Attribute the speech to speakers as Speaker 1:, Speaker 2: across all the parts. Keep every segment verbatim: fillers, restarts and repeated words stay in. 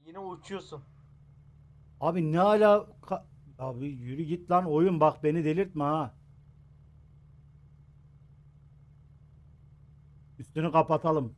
Speaker 1: Yine uçuyorsun.
Speaker 2: Abi ne ala abi yürü git lan oyun, bak beni delirtme ha. Üstünü kapatalım.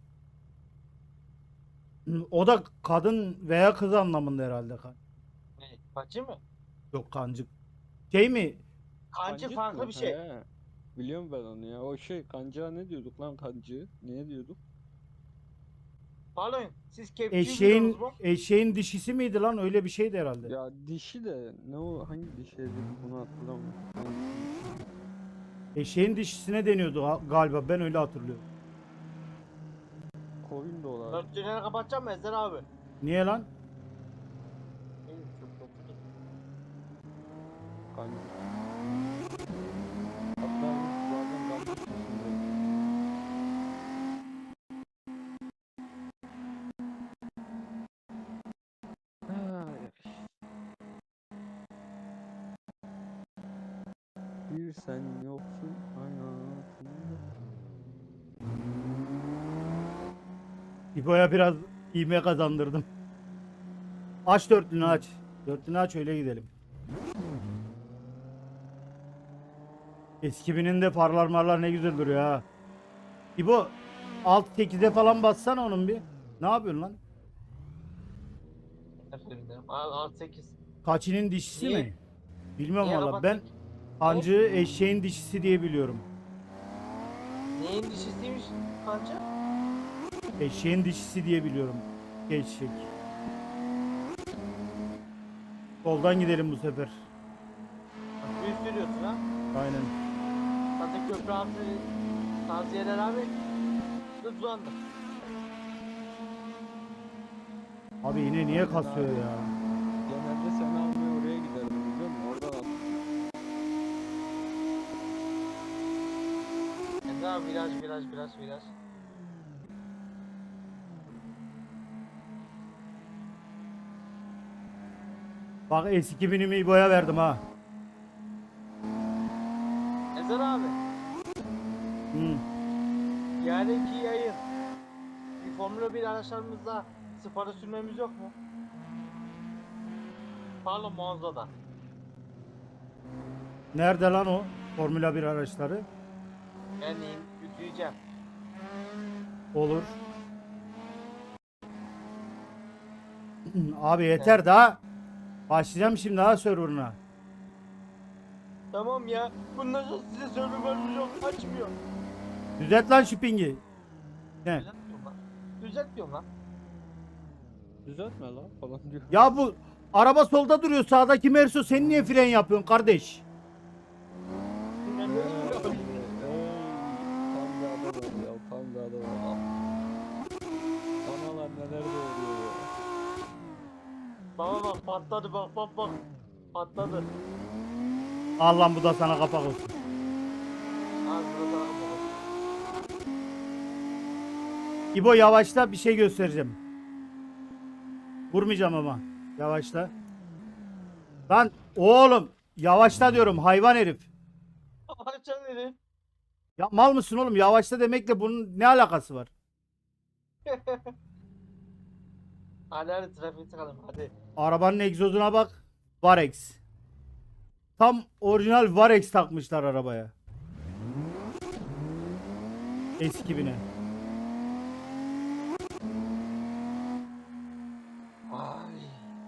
Speaker 2: Hı, o da kadın veya kız anlamında herhalde. Kan-
Speaker 1: Ne? Kancı mı?
Speaker 2: Yok, kancık. Şey mi?
Speaker 1: Kancı
Speaker 3: Kancık
Speaker 1: farklı
Speaker 3: mı?
Speaker 1: bir şey.
Speaker 3: He. Biliyorum ben onu ya. O şey kanca ne diyorduk lan kancı? Ne diyorduk?
Speaker 1: Pardon, siz kepçeyi biliyorsunuz
Speaker 2: Eşeğin
Speaker 1: mu?
Speaker 2: eşeğin dişisi miydi lan? Öyle bir şeydi herhalde.
Speaker 3: Ya dişi de ne o hangi dişi dedik bunu hatırlamıyorum. Hangisiymiş?
Speaker 2: Eşeğin dişisine deniyordu ha- galiba. Ben öyle hatırlıyorum.
Speaker 3: Koyun da olabilir.
Speaker 1: Dörtçeleri kapatacağım mı Ezer abi?
Speaker 2: Niye lan?
Speaker 1: İyi, çok kötü değil.
Speaker 3: Kancık. Hatta biz bazen kancık dışındayız. Ay, bir sen yoksun hayatımda.
Speaker 2: İbo'ya biraz ivme kazandırdım. Aç dörtlünü aç. Dörtlünü aç, öyle gidelim. Eski binin de farlar marlar ne güzel duruyor ha. İbo alt sekize falan bassana onun bir. Ne yapıyorsun lan?
Speaker 1: Efendim, al al sekiz.
Speaker 2: Kaçının dişisi
Speaker 1: Niye?
Speaker 2: mi? Bilmiyorum
Speaker 1: Niye
Speaker 2: valla. Ben
Speaker 1: kapattık? Ne?
Speaker 2: kancığı eşeğin dişisi diye biliyorum.
Speaker 1: Neyin dişisiymiş kancı?
Speaker 2: Eşeğin dişisi diye biliyorum. Eşek. Soldan gidelim bu sefer.
Speaker 1: Büyük sürüyorsun ha.
Speaker 2: Aynen.
Speaker 1: Zaten köprü altı tavsiyeler abi. Hızlandı.
Speaker 2: Abi yine niye kasıyor ya?
Speaker 3: Genelde seni almaya oraya giderdim biliyor musun? Oradan at.
Speaker 1: Ezer abi viraj viraj viraj viraj.
Speaker 2: Bak eski binimi İbo'ya verdim ha.
Speaker 1: Ezer abi.
Speaker 2: Hı.
Speaker 1: Yarınki yayın. Bir Formula bir araçlarımızda spora sürmemiz yok mu? Pardon Monza'da.
Speaker 2: Nerede lan o Formula bir araçları?
Speaker 1: Ben in- yükleyeceğim.
Speaker 2: Olur. Abi yeter daha. Başlayacağım şimdi ha serverına.
Speaker 1: Tamam ya. Bundan sonra size server vermiş yok. Açmıyor.
Speaker 2: Düzelt lan şu pingi. Ne?
Speaker 1: Düzeltmiyorum lan. Düzeltmiyorum lan.
Speaker 3: Düzeltme lan falan diyor.
Speaker 2: Ya bu araba solda duruyor. Sağdaki Merso, sen niye fren yapıyorsun kardeş?
Speaker 1: Ben
Speaker 3: Ey,
Speaker 1: de
Speaker 3: ey,
Speaker 1: bilmiyorum.
Speaker 3: tam bir adam ya, tam bir adam. Analar neler doğuruyor ya.
Speaker 1: Baba bak patladı bak bak bak. Patladı.
Speaker 2: Al lan, bu da sana kapak olsun.
Speaker 1: Ağzına sana bak.
Speaker 2: İbo yavaşla, bir şey göstereceğim. Vurmayacağım ama. Yavaşla. Lan oğlum yavaşla diyorum, hayvan herif.
Speaker 1: Açan herif.
Speaker 2: Ya mal mısın oğlum? Yavaşla demekle bunun ne alakası var?
Speaker 1: Hadi hadi trafiğe çıkalım hadi.
Speaker 2: Arabanın egzozuna bak. Varex. Tam orijinal Varex takmışlar arabaya. Eski bine.
Speaker 1: Ay.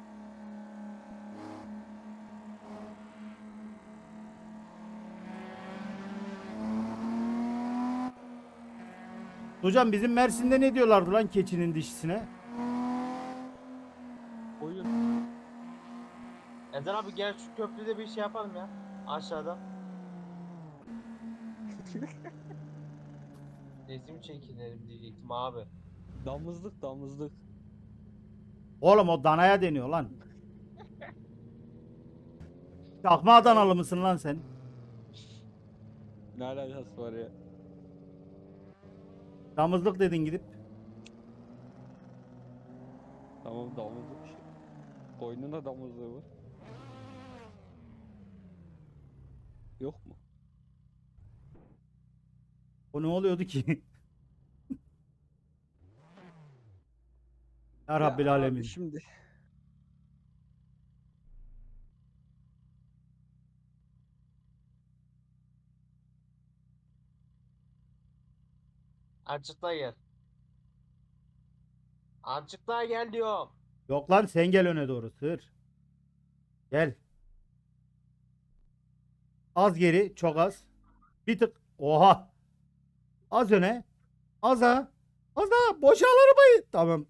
Speaker 2: Hocam bizim Mersin'de ne diyorlardı lan keçinin dişisine?
Speaker 3: Oyun.
Speaker 1: Ezer abi gel şu köprüde bir şey yapalım ya. Aşağıda. Resim çekinelim diyecektim abi.
Speaker 3: Damızlık damızlık.
Speaker 2: Oğlum o danaya deniyor lan. Çakma Adanalı mısın lan sen?
Speaker 3: Ne alakası var ya?
Speaker 2: Damızlık dedin gidip.
Speaker 3: Tamam damızlık işte. Koyunun da damızlığı var. Yok mu?
Speaker 2: O ne oluyordu ki? Ya
Speaker 3: Ya
Speaker 2: Rabbil
Speaker 3: abi
Speaker 2: Alemin.
Speaker 3: şimdi
Speaker 1: Azıcık daha gel. Azıcık daha gel diyor.
Speaker 2: Yok lan sen gel öne doğru sığır. Gel. Az geri, çok az. Bir tık. Oha. Az öne. Az ha. Az ha. Boşal arabayı. Tamam.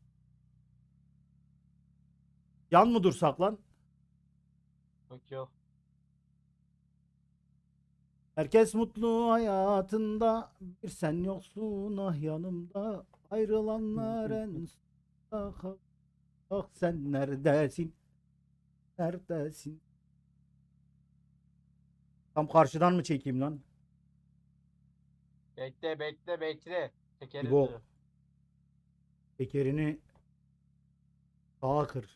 Speaker 2: Yan mı dursak lan?
Speaker 1: Yok yok.
Speaker 2: Herkes mutlu hayatında. Bir sen yoksun ah yanımda. Ayrılanlar en son. Ah sen neredesin? Neredesin? Tam karşıdan mı çekeyim lan?
Speaker 1: Bekle bekle bekle. Tekeri
Speaker 2: İbo.
Speaker 1: dur.
Speaker 2: Tekerini sağa kır.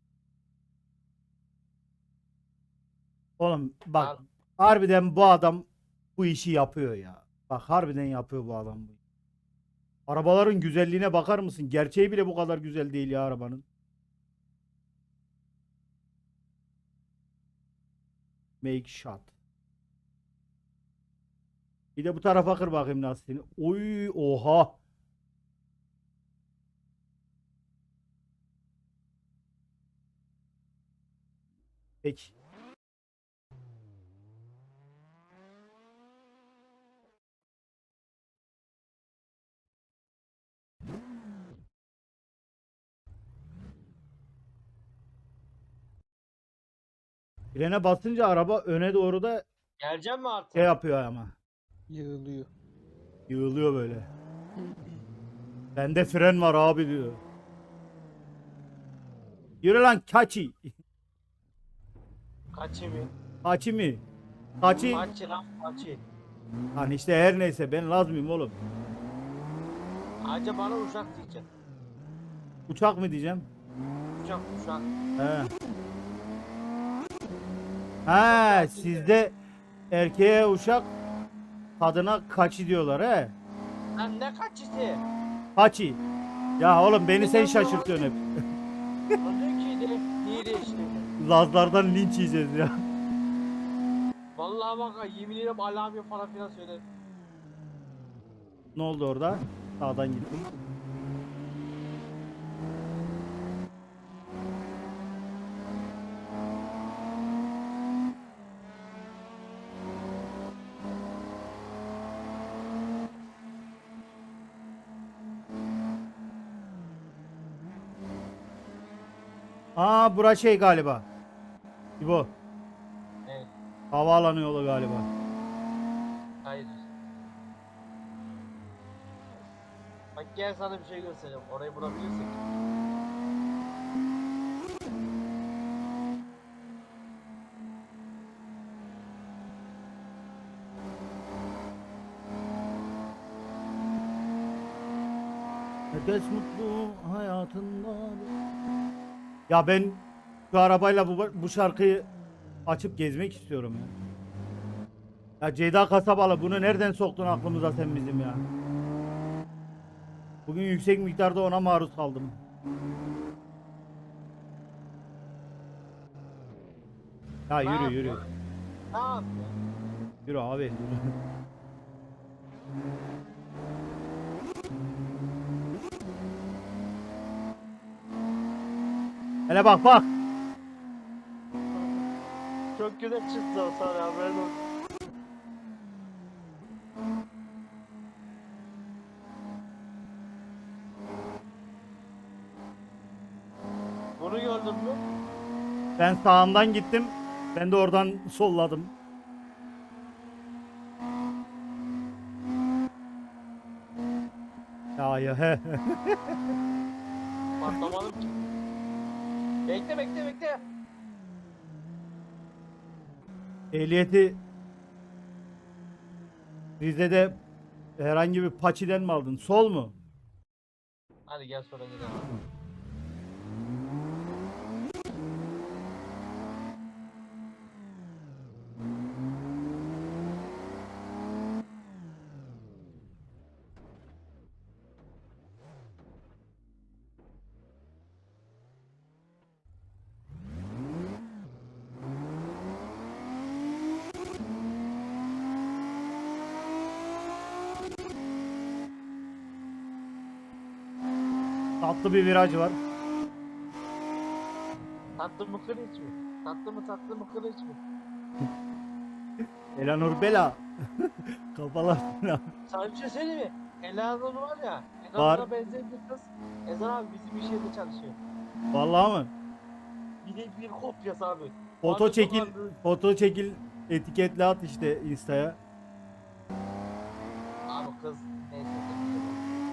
Speaker 2: Oğlum bak
Speaker 1: Al.
Speaker 2: harbiden bu adam bu işi yapıyor ya. Bak harbiden yapıyor bu adam bu. Arabaların güzelliğine bakar mısın? Gerçeği bile bu kadar güzel değil ya arabanın. Make shot. Bir de bu tarafa kır bakayım lastiğini. Oy oha. Peki. Frene basınca araba öne doğru da
Speaker 1: Geleceğim mi artık?
Speaker 2: şey yapıyor ama.
Speaker 3: Yığılıyor.
Speaker 2: Yığılıyor böyle. Bende fren var abi diyor. Yürü lan kaçı.
Speaker 1: Kaçı mı?
Speaker 2: Kaçı mı? Kaçı.
Speaker 1: Kaçı lan kaçı.
Speaker 2: Hani işte her neyse ben lazmıyım oğlum.
Speaker 1: Ayrıca bana uşak diyeceksin.
Speaker 2: Uçak mı diyeceğim?
Speaker 1: Uşak uşak.
Speaker 2: He. Ha sizde erkeğe uşak kadına kaçı diyorlar he.
Speaker 1: Lan ne kaçısı?
Speaker 2: Kaçı. Ya oğlum beni sen şaşırtıyorsun hep.
Speaker 1: Onun ki de niye değişti?
Speaker 2: Lazlardan linç yiyeceğiz ya.
Speaker 1: Vallahi bak yemin ederim alarm falan filan söyledim.
Speaker 2: Ne oldu orada? Sağdan gittim. Aa bura şey galiba. İbo.
Speaker 1: Evet.
Speaker 2: Havaalanı yolu galiba.
Speaker 1: Hayır. Bak gel sana bir şey göstereyim. Orayı bulabilirsek.
Speaker 2: Herkes mutlu hayatında. Ya ben şu arabayla bu, bu şarkıyı açıp gezmek istiyorum ya. Ya Ceyda Kasabalı bunu nereden soktun aklımıza sen bizim ya? Bugün yüksek miktarda ona maruz kaldım. Ya
Speaker 1: Ne
Speaker 2: yürü
Speaker 1: yapıyor?
Speaker 2: yürü.
Speaker 1: Ne yapıyor?
Speaker 2: Yürü abi. Yürü. Hele bak bak.
Speaker 1: Çok güzel çıktı o sana haberin olsun. Bunu gördün mü?
Speaker 2: Ben sağından gittim. Ben de oradan solladım. Ya ya he.
Speaker 1: Patlamadım ki. Bekle bekle bekle.
Speaker 2: Ehliyeti Rize'de herhangi bir paçiden mi aldın? Sol mu?
Speaker 1: Hadi gel sonra gidelim.
Speaker 2: Tatlı bir viraj var.
Speaker 1: Tatlı mı kılıç mı? Tatlı mı tatlı mı kılıç mı?
Speaker 2: Elanur Bela. Kafalar.
Speaker 1: Sana bir şey söyleyeyim mi? Elanur var ya.
Speaker 2: Var.
Speaker 1: Elanur'a benzeyen bir kız. Ezan abi bizim iş yerinde çalışıyor.
Speaker 2: Vallahi mı?
Speaker 1: Bir de bir kopyası abi.
Speaker 2: Foto
Speaker 1: Bazı
Speaker 2: çekil,
Speaker 1: sokaklarda-
Speaker 2: foto çekil, etiketle at işte Insta'ya.
Speaker 1: Abi kız neyse. demeyeceğim.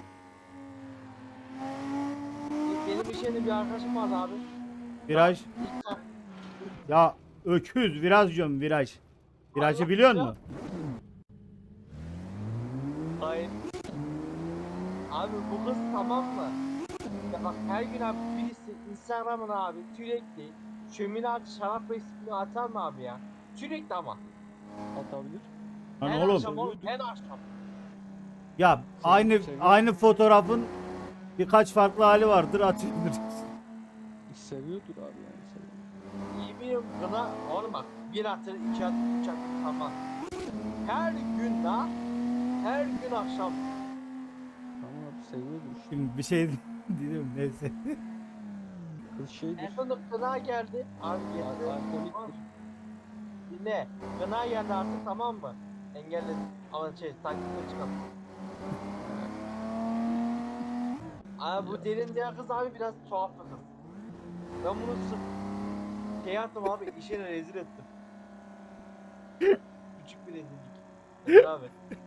Speaker 1: Benim iş yerinde bir arkadaşım vardı abi.
Speaker 2: Viraj.
Speaker 1: İlk kap-
Speaker 2: Ya öküz viraj diyorum viraj. Virajı
Speaker 1: Allah
Speaker 2: biliyor
Speaker 1: ya.
Speaker 2: musun?
Speaker 1: Hayır. Abi bu kız tamam mı? Ya bak her gün abi birisi Instagram'ına abi sürekli şömine artı şarap resmini atar mı abi ya? Sürekli ama.
Speaker 3: Atabilir.
Speaker 2: Lan
Speaker 1: her
Speaker 2: oğlum.
Speaker 1: akşam oğlum her akşam.
Speaker 2: Ya aynı
Speaker 3: seviyor.
Speaker 2: aynı fotoğrafın birkaç farklı hali vardır atıyordur.
Speaker 3: Seviyordur abi yani seviyor.
Speaker 1: İyi bir gına oğlum bak bir atır iki atır üç atır tamam. Her gün la her gün akşam.
Speaker 3: Tamam abi seviyordur işte.
Speaker 2: Şimdi bir şey dedim neyse.
Speaker 3: Kız şeydir.
Speaker 1: En sonunda gına geldi. Abi geldi.
Speaker 3: Al- Alkoliktir.
Speaker 1: Dinle. Gına geldi artık tamam mı? Engelledim. Ama şey takipte çıkalım. Abi bu derin diğer kız abi biraz tuhaf bir kız. Ben bunu sırf şey yaptım abi işine rezil ettim. Küçük bir rezillik. Evet abi.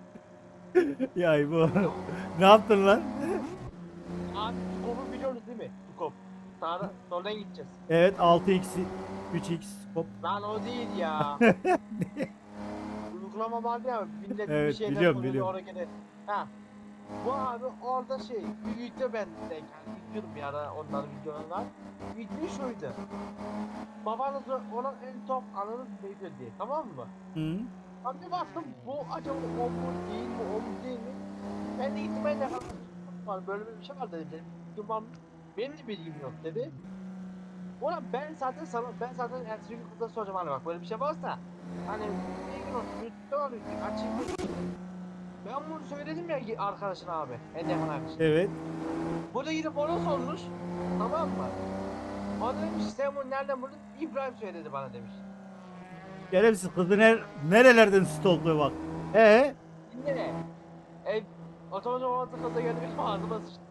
Speaker 2: Ya bu ne yaptın lan?
Speaker 1: Abi Tukop'u biliyoruz değil mi? Tukop. Sağda, soldan gideceğiz.
Speaker 2: Evet altı x üç x hop.
Speaker 1: Lan o değil ya. Uygulama vardı ya millet bir
Speaker 2: Evet,
Speaker 1: şeyler
Speaker 2: biliyorum,
Speaker 1: koyuyor,
Speaker 2: biliyorum.
Speaker 1: oraya gene- Ha. Bu abi orada şey bir video ben denk yani izliyordum bir ara onların videolarını. Video şuydu. Babanız ona en top anınız neydi diye tamam mı?
Speaker 2: Hı.
Speaker 1: Ben bir baktım bu acaba o mu değil mi o mu değil mi? Ben de gittim ben de kalktım. Var böyle bir şey var dedim. Benim bilgim var mı? Benim de bilgim yok dedi. Ulan ben zaten sana ben zaten ertesi gün kıza soracağım hani bak böyle bir şey varsa hani bir gün olsun YouTube'da var açayım dedim. Ben bunu söyledim ya ki arkadaşına abi. En yakın arkadaşına.
Speaker 2: Evet.
Speaker 1: Bu da gidip ona sormuş. Tamam mı? O da demiş sen bunu nereden buldun? İbrahim söyledi bana demiş.
Speaker 2: Şerefsiz kızı ner nerelerden stalkluyor bak. Ee?
Speaker 1: Dinle ne? E, otomatik olarak kıza geldi benim ağzıma sıçtı.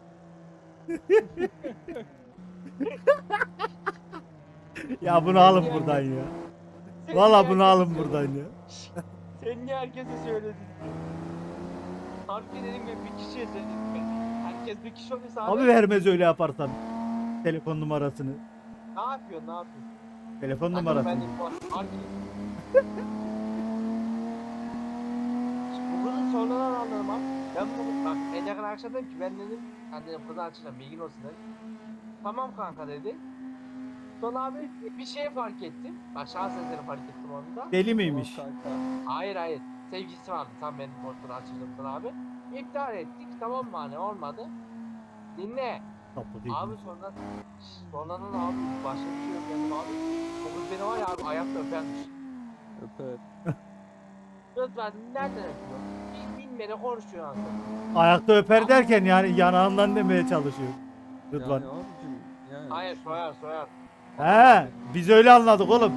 Speaker 2: Ya bunu alın buradan ya.
Speaker 1: Sen
Speaker 2: Valla
Speaker 1: niye
Speaker 2: bunu
Speaker 1: herkese
Speaker 2: alın
Speaker 1: söyledin?
Speaker 2: buradan ya.
Speaker 1: Sen niye herkese söyledin? Harbi dedim ya bir kişiye söyledim ben. Herkes bir kişi olursa abi,
Speaker 2: Abi vermez öyle yaparsan. Telefon numarasını.
Speaker 1: ne yapıyorsun ne yapıyorsun?
Speaker 2: Telefon
Speaker 1: Kanka
Speaker 2: numarasını.
Speaker 1: ben de bu harbi. Bu kızın sonradan anladım abi. Ben bu bak en yakın arkadaşım dedim ki ben dedim ben dedim kızı açacağım bilgin olsun dedim. Tamam kanka dedi. Sonra abi bir şey fark ettim. Bak şans eseri fark ettim onu da.
Speaker 2: Deli
Speaker 3: Tamam
Speaker 2: miymiş?
Speaker 3: kanka.
Speaker 1: Hayır hayır. Sevgilisi vardı. Tam benim portunu açıldım sana abi. İptal ettik. Tamam mı hani olmadı. Dinle.
Speaker 2: Tatlı değil.
Speaker 1: Abi sonra sonradan abi başka bir şey yok dedim abi. O kız beni var ya abi ayakta öpermiş.
Speaker 3: Öper.
Speaker 1: Lütfen nereden öpüyor? Bil, bilmeden konuşuyor aslında.
Speaker 2: Ayakta öper derken yani yanağından demeye çalışıyor. Rıdvan.
Speaker 3: Yani abicim yani.
Speaker 1: Hayır soyar soyar.
Speaker 2: He, biz öyle anladık oğlum.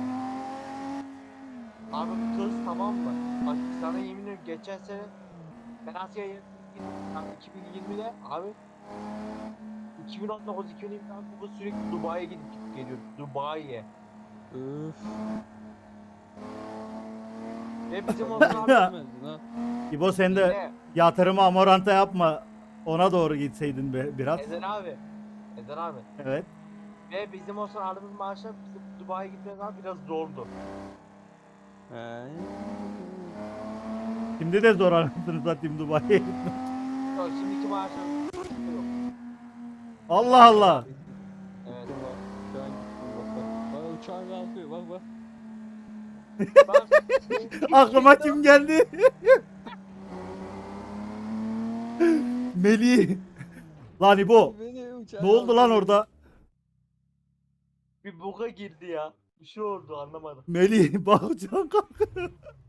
Speaker 1: Abi kız tamam mı? Bak sana yemin ediyorum geçen sene ben Asya'ya gittim. Yani iki bin yirmide abi iki bin on dokuz iki bin yirmi bu kız sürekli Dubai'ye gidip gidip geliyor. Dubai'ye.
Speaker 3: Öf.
Speaker 1: Ve bizim Ozan abi
Speaker 3: Bilmezdin ha.
Speaker 2: İbo sen de
Speaker 1: dinle.
Speaker 2: yatırımı amoranta yapma. Ona doğru gitseydin be, biraz.
Speaker 1: Ezen abi. Ezen abi.
Speaker 2: Evet.
Speaker 1: Ve bizim Ozan aldığımız maaşlar bizim Dubai'ye gitmemiz abi biraz zordu.
Speaker 3: He.
Speaker 2: Şimdi de zor anasını satayım Dubai'ye gitmek.
Speaker 1: Yok şimdiki maaşlar yok.
Speaker 2: Allah Allah.
Speaker 1: Evet.
Speaker 3: Gittim bak. Şu an gittim bak bak. Bak uçağın kalkıyor bak bak.
Speaker 1: Bak,
Speaker 2: Aklıma kim geldi? Melih. Lan İbo.
Speaker 3: Beni uçağın
Speaker 2: Ne oldu lan
Speaker 3: kalkıyor.
Speaker 2: orada?
Speaker 1: bir buga girdi ya. Bir şey oldu anlamadım.
Speaker 2: Melih bak uçağın kalk.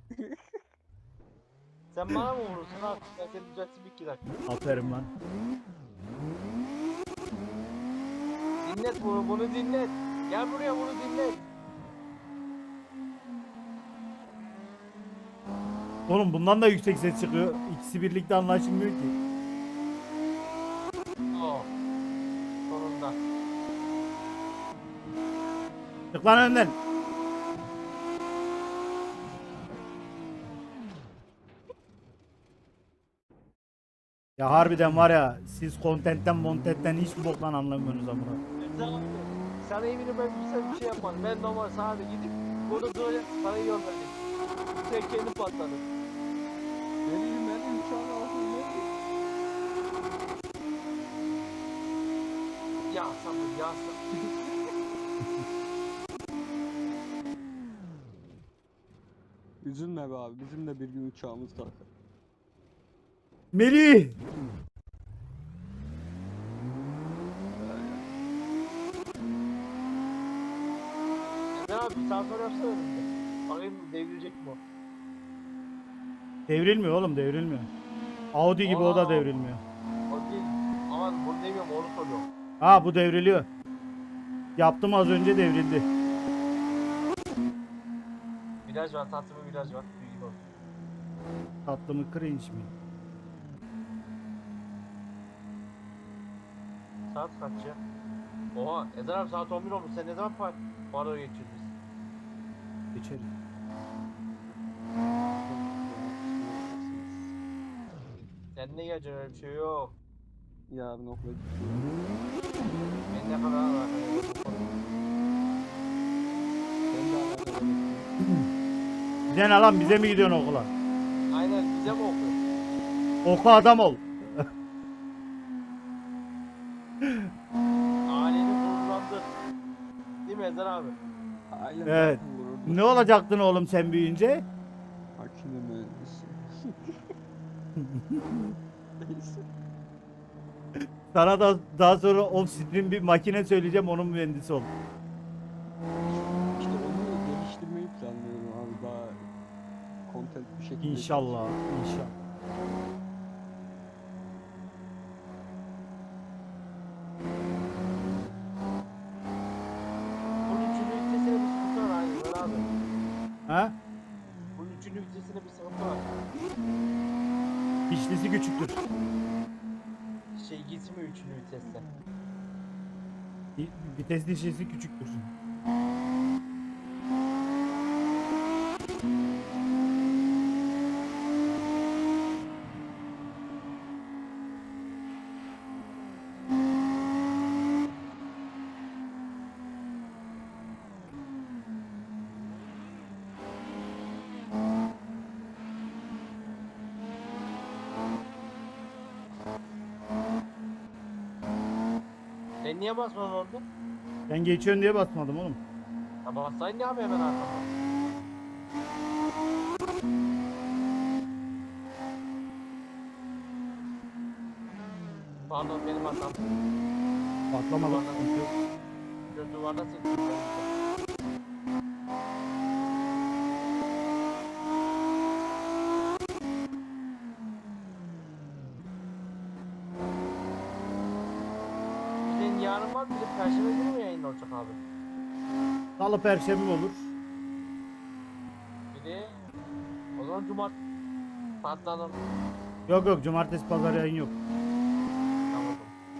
Speaker 1: Sen bana mı vurursun abi? Ben seni düzelteyim iki dakika.
Speaker 2: Aferin lan.
Speaker 1: Dinlet bunu, bunu dinlet. Gel buraya bunu dinlet.
Speaker 2: Oğlum bundan da yüksek ses çıkıyor. İkisi birlikte anlaşılmıyor ki.
Speaker 1: Oh. Sonunda.
Speaker 2: Çık lan önden. Ya harbiden var ya siz kontentten montentten hiçbir boktan anlamıyorsunuz amına.
Speaker 1: Güzel abi. Sana eminim ben güzel bir şey yapmadım. Ben normal sadece gidip burada böyle parayı gönderdim. Sen kendi patladın.
Speaker 3: Benim benim uçağın altında.
Speaker 1: Ya sabır ya sabır.
Speaker 3: Üzülme be abi. Bizim de bir gün uçağımız kalkar.
Speaker 2: Melih!
Speaker 1: Neden abi bir saat sonra yapsana önümde. Bakayım devrilecek mi o?
Speaker 2: Devrilmiyor oğlum devrilmiyor. Audi gibi o da
Speaker 1: Aa.
Speaker 2: devrilmiyor.
Speaker 1: O değil. Aman bunu demiyorum onu soruyorum.
Speaker 2: Ha bu devriliyor. Yaptım az önce devrildi.
Speaker 1: Viraj var tatlı bir viraj var. Bilgin olsun.
Speaker 2: Tatlı mı cringe mi?
Speaker 1: Saat kaç ya? Oha Ezer abi saat on bir olmuş. Sen ne zaman par paro geçirdin?
Speaker 2: Geçeriz.
Speaker 1: Sen ne geleceksin öyle bir şey yok.
Speaker 3: Yarın okula gidiyorum.
Speaker 1: Ben ne kadar var?
Speaker 3: Ben de alakalı.
Speaker 2: Bize ne lan bize mi gidiyorsun okula?
Speaker 1: Aynen bize mi okuyor?
Speaker 2: Oku adam ol.
Speaker 1: Aileni gururlandır. Değil mi Ezer abi?
Speaker 3: Ailem
Speaker 2: Evet.
Speaker 3: zaten gururlu.
Speaker 2: Ne olacaktın oğlum sen büyüyünce?
Speaker 3: Makine mühendisi. Neyse.
Speaker 2: Sana da daha sonra off-stream bir makine söyleyeceğim onun mühendisi ol.
Speaker 3: İşte onu geliştirmeyi planlıyorum abi daha content bir şekilde.
Speaker 2: İnşallah, inşallah.
Speaker 1: Bunun üçüncü vitesine bir sıkıntı var aynı Ezer abi.
Speaker 2: Ha?
Speaker 1: Bunun üçüncü vitesine bir sıkıntı var.
Speaker 2: Pişlisi küçüktür.
Speaker 1: Şey gitmiyor üçüncü viteste.
Speaker 2: Vi- Vites dişlisi küçüktür.
Speaker 1: Sen niye basmadın orada?
Speaker 2: Ben geçiyorsun diye basmadım oğlum.
Speaker 1: Ya bassaydın ya abi hemen arkamda. Pardon benim hatam.
Speaker 2: Patlamadım.
Speaker 1: Göz duvarda sektim. Senin yarın var bir de perşembe günü mü yayın olacak abi?
Speaker 2: Salı perşembe olur.
Speaker 1: Bir de o zaman cumartesi patladım.
Speaker 2: Yok yok cumartesi pazar yayın yok.
Speaker 1: Tamam.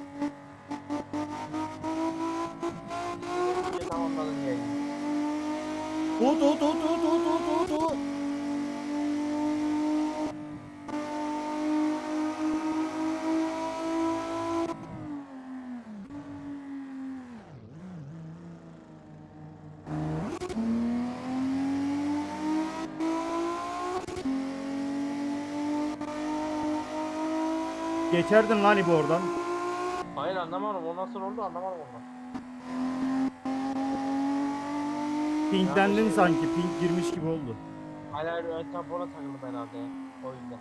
Speaker 1: İyice tamamladın yayını.
Speaker 2: Tut tut tut tut tut tut tut. Geçerdin lan İbo oradan.
Speaker 1: Hayır anlamadım. O nasıl oldu anlamadım onu.
Speaker 2: Pinklendin sanki. Pink girmiş gibi oldu.
Speaker 1: Hayır hayır ön tampona takıldım herhalde ya. O yüzden.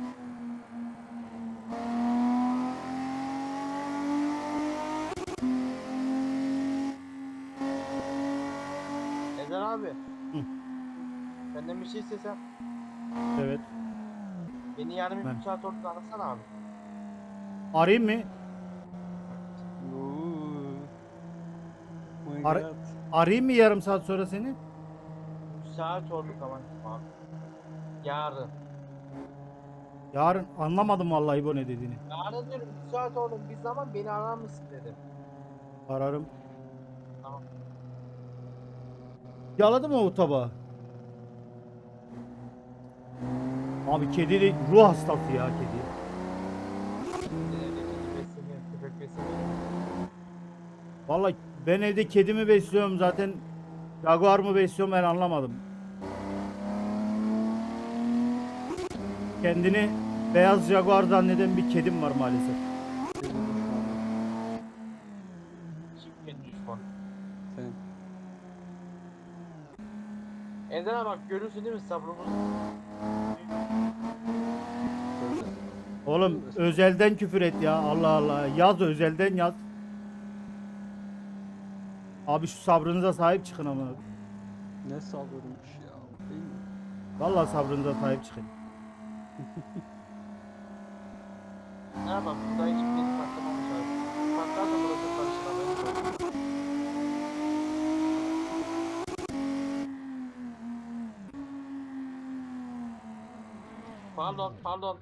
Speaker 1: Ezer abi.
Speaker 2: Hı.
Speaker 1: Senden bir şey istesem.
Speaker 2: Evet.
Speaker 1: Beni yarın
Speaker 2: Ben-
Speaker 1: bir saat orada arasana abi.
Speaker 2: Arayayım mı?
Speaker 3: Oo.
Speaker 2: Ara-
Speaker 3: Hayat.
Speaker 2: Arayayım mı yarım saat sonra seni?
Speaker 1: Saat oldu tamam. Abi. Yarın.
Speaker 2: Yarın anlamadım vallahi bu ne dediğini.
Speaker 1: Yarın diyorum üç saat oldu bir zaman beni arar mısın dedim.
Speaker 2: Ararım.
Speaker 1: Tamam.
Speaker 2: Yaladı mı o tabağı? Abi kedi de ruh hastası ya kedi.
Speaker 1: Evdeki besleniyor, köpek besleniyor.
Speaker 2: Vallahi ben evde kedimi besliyorum zaten. Jaguar mı besliyorum ben anlamadım. Kendini beyaz Jaguar zanneden bir kedim var maalesef.
Speaker 3: Kedi düşmanı.
Speaker 1: Kim kendi düşman?
Speaker 3: Sen.
Speaker 1: Eden'e bak görürsün değil mi sabrımız?
Speaker 3: Böyle.
Speaker 2: Oğlum özelden küfür et ya Allah Allah. Yaz özelden yaz. Abi şu sabrınıza sahip çıkın ama.
Speaker 3: Ne sabrıymış ya. Değil mi?
Speaker 2: Vallahi sabrınıza sahip çıkın.
Speaker 1: Ne yapalım? Burada hiç beni patlamamış abi. Patlarsa burası karışır abi. Pardon, pardon.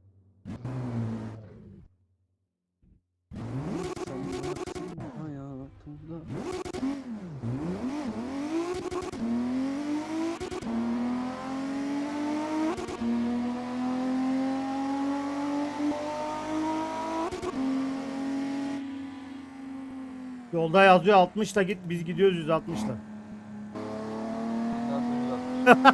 Speaker 3: Sen varsın hayatımda.
Speaker 2: Yolda yazıyor altmışla git biz gidiyoruz yüz altmışla.
Speaker 1: Nasıl güzel.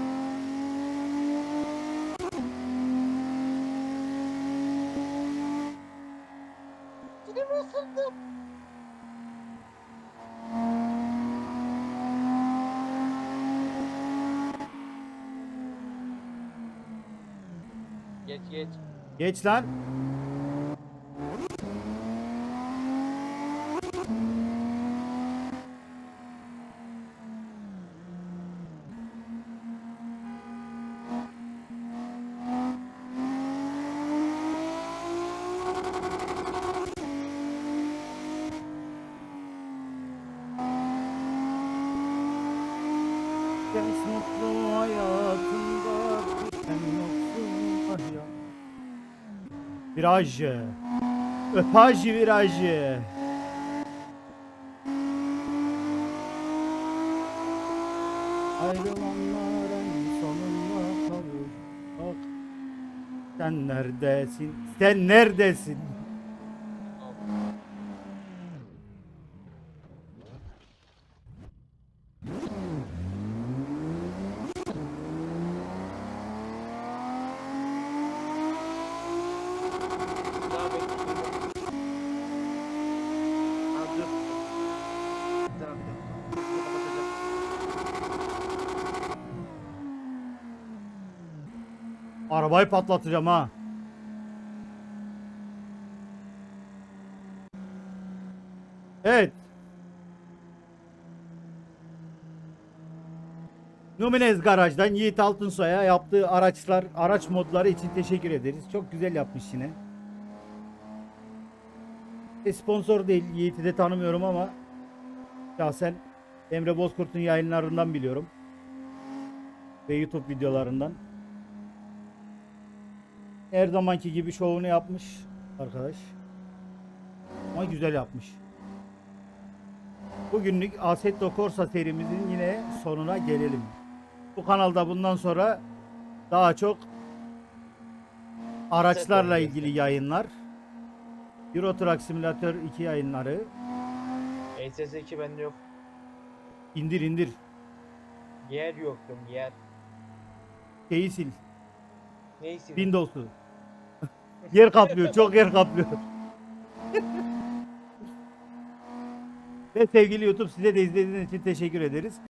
Speaker 1: Dilim ısındı. Geç geç.
Speaker 2: Geç lan. Sen mutlu hayatında sen yoksun ah ya. Viraj. Öpaj virajı. Ayrılanların sonunda kalır. Bak. Sen neredesin? Sen neredesin?
Speaker 1: Daha bekliyorum. Ha dur. Bir tarafta. Bunu kapatacağım.
Speaker 2: Arabayı patlatacağım ha. Evet. Numinez Garaj'dan Yiğit Altınsoy'a yaptığı araçlar, araç modları için teşekkür ederiz. Çok güzel yapmış yine. E, sponsor değil, Yiğit'i de tanımıyorum ama şahsen Emre Bozkurt'un yayınlarından biliyorum. Ve YouTube videolarından. Her zamanki gibi şovunu yapmış arkadaş. Ama güzel yapmış. Bugünlük Assetto Corsa serimizin yine sonuna gelelim. Bu kanalda bundan sonra daha çok araçlarla ilgili yayınlar, Euro Truck Simulator iki yayınları.
Speaker 1: E S S iki bende yok.
Speaker 2: İndir indir.
Speaker 1: Yer yoktum yer.
Speaker 2: Şeyi sil.
Speaker 1: Neyse.
Speaker 2: Windows'u. Yer kaplıyor, çok yer kaplıyor. Ve sevgili YouTube size de izlediğiniz için teşekkür ederiz.